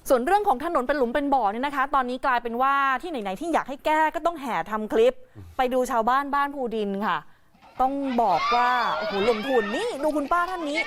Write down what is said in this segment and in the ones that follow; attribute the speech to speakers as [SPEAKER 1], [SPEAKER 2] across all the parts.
[SPEAKER 1] ส่วนเรื่องของถนนเป็นหลุมเป็นบ่อเนี่ยนะคะ ตอนนี้กลายเป็นว่าที่ไหนๆที่อยากให้แก้ก็ต้องแห่ทำคลิปไปดูชาวบ้านบ้านภูดินค่ะ ต้องบอกว่าโอ้โหลงทุนนี่ดูคุณป้าท่านนี้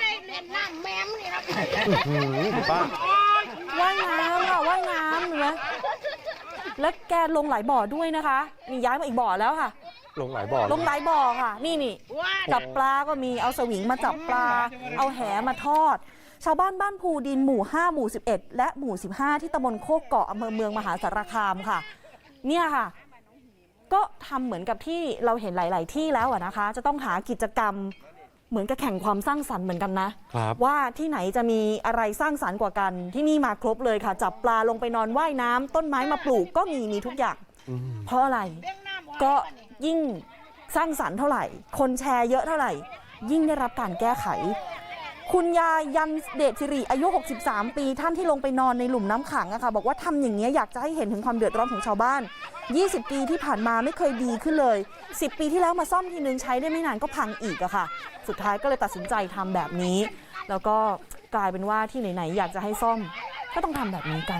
[SPEAKER 2] คุณป้า
[SPEAKER 1] ว่ายน้ำค่ะว่ายน้ำเห็นไหมแล้วแกลงหลายบ่อด้วยนะคะนี่ย้ายมาอีกบ่อแล้วค่ะ
[SPEAKER 2] ลงหลายบ่อ
[SPEAKER 1] ลงหลายบ่อค่ะนี่จับปลาก็มีเอาสวิงมาจับปลาเอาแหมาทอดชาวบ้านบ้านภูดินหมู่5หมู่11และหมู่15ที่ตำบลโคกเกาะอำเภอเมืองมหาสารคามค่ะเนี่ยค่ะก็ทำเหมือนกับที่เราเห็นหลายๆที่แล้วนะคะจะต้องหากิจกรรมเหมือนกับแข่งความสร้างสรรค์เหมือนกันนะว่าที่ไหนจะมีอะไรสร้างสรรค์กว่ากันที่นี่มาครบเลยค่ะจับปลาลงไปนอนว่ายน้ำต้นไม้มาปลูกก็มีทุกอย่างเพราะอะไรก็ยิ่งสร้างสรรค์เท่าไหร่คนแชร์เยอะเท่าไหร่ยิ่งได้รับการแก้ไขคุณยายยันเดชสิริอายุ63ปีท่านที่ลงไปนอนในหลุมน้ำขังอะค่ะบอกว่าทำอย่างนี้อยากจะให้เห็นถึงความเดือดร้อนของชาวบ้าน20ปีที่ผ่านมาไม่เคยดีขึ้นเลย10ปีที่แล้วมาซ่อมทีนึงใช้ได้ไม่นานก็พังอีกอะค่ะสุดท้ายก็เลยตัดสินใจทำแบบนี้แล้วก็กลายเป็นว่าที่ไหนๆอยากจะให้ซ่อมก็ต้องทำแบบนี้กัน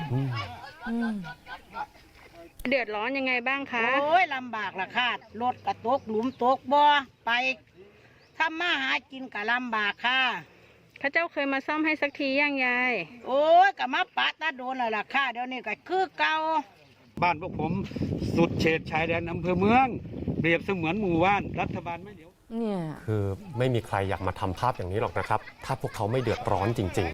[SPEAKER 3] เดือดร้อนยังไงบ้างคะ
[SPEAKER 4] โอ้ยลำบากละค่ะรถกระตกหลุมตกบ่อไปทำมาหากินกะลำบากค่ะ
[SPEAKER 3] ข้าเจ้าเคยมาซ่อมให้สักทียังยาย
[SPEAKER 4] โอ้ยกะมาปะตาโดนแล้วล่ะค่ะเดี๋ยวนี้ก็คือเก่า
[SPEAKER 2] บ้านพวกผมสุดเขตชายแดนอำเภอเมืองเปรียบเสมือนหมู่บ้านรัฐบาลไม่เดียว
[SPEAKER 1] เนี่ย
[SPEAKER 5] คือไม่มีใครอยากมาทำภาพอย่างนี้หรอกนะครับถ้าพวกเขาไม่เดือดร้อนจริงๆ